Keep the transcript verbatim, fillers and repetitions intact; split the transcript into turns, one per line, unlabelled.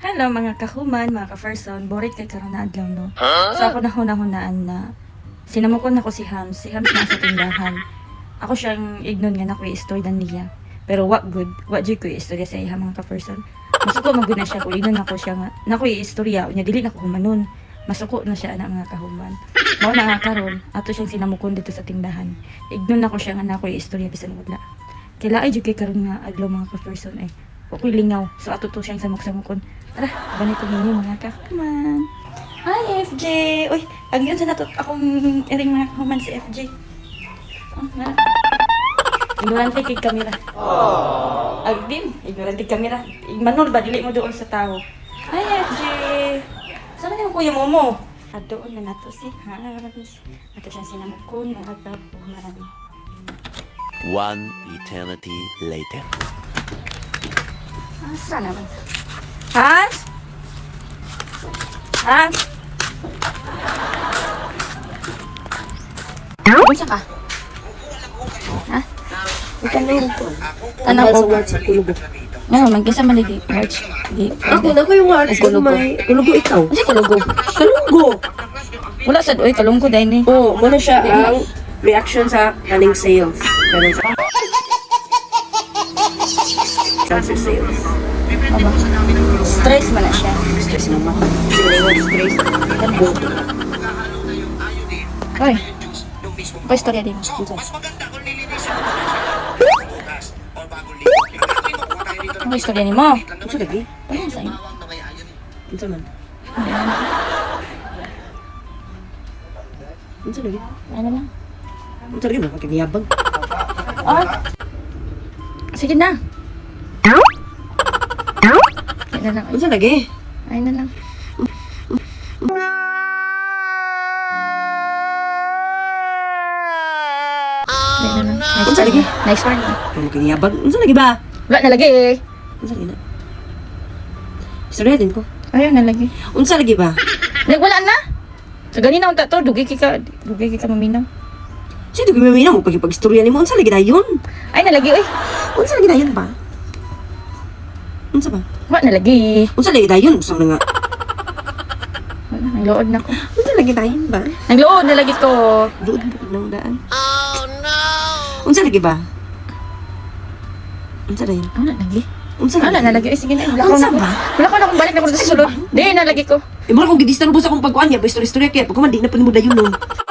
Hello mga kahuman, mga ka-person, borit kay karon na adlaw no. So ako nahuna-hunaan na sinamukon ako si Hams, si Hams na sa tindahan. Ako siyang ignon nga na ko i-story dan niya. Pero what good, what jud ko i-istorya sa iya mga ka-person. Masuko magud na siya ko ignon ako siya nga na ko i-istorya nya dili na ko humanon. Masuko na siya ana mga kahuman. Mao na nga karon ato siyang sinamukon dito sa tindahan. Ignon ako siya nga na ko i-istorya bisan wala. Kila ay jud kay karon nga adlaw mga ka-person eh. Ako'y lingaw. So, ato to siyang samok-samokon. Tara, ganito ninyo mga kahuman. Hi, F J! Uy, ang yun sa nato akong iring mga kahuman si F J. Oh, nga. Ignorante kay kamera. Aww. Agdin, ignorante kamera. Manol ba, dili mo doon sa tao. Hi, F J! Saan na yung kuya mo mo? At doon na nato si Hans. Ato siyang sinamokon mga kahuman.
One eternity later.
Asa naman? Hans? Hans? Bunsa ka? Ha?
Itanong ko.
Tanong ko.
Sa kulugo.
Ano, magkisa man di watch. Di.
Ako na ko yung words.
Kulugo.
May kulugo ikaw.
Kasi kulugo.
Kalunggo.
Wala sad oy kalungko dai ni.
Oo, muna siya ang reaction sa kaning sales. Kaning sa cancer sales.
Stress man na siya.
Stress naman. Sige, wala stress. Boto.
Oy. Ko istorya din. Ano istorya ni mo?
Ano lagi?
Ano sa iyo?
Ano man? Ano lagi?
Ano lang?
Ano lagi mo? Pagkagiyabag.
Oh. Sige na. Ay na lang.
Ano lagi?
Ay na lang. Ay na lang. Next
Unsa lagi?
Next one.
Ano kagiyabag? Ano lagi ba?
Wala na lagi eh.
Ano lagi na? Istorya din ko.
Ayun na lagi.
Unsa lagi ba?
Like, wala na. So, ganina unta to. Dugi kika. Dugi kika maminaw.
Sino gumamina mo pag ipag-istorya ni mo? Unsa lagi na yun?
Ay na lagi oy.
Unsa lagi na yun ba? Unsa ba?
Wala na lagi.
Unsa lagi na yun? Gusto mo na nga.
Wala, nagluod na ko.
Unsa lagi na yun ba?
Nagluod na lagi ko.
Doon bukod ng daan. Oh no! Unsa lagi ba? Unsa na yun?
Wala lagi.
Unsa lagi?
Wala na lagi. Ay, sige na. Wala ko
Unsa
na.
ba?
Wala ko na kung balik na ko sa sulod. Di na lagi ko.
Eh, mula kong gidistan mo sa akong pagkuhan niya, pa istorya-istorya kaya, pag kumandi na pa ni mo dayon nun.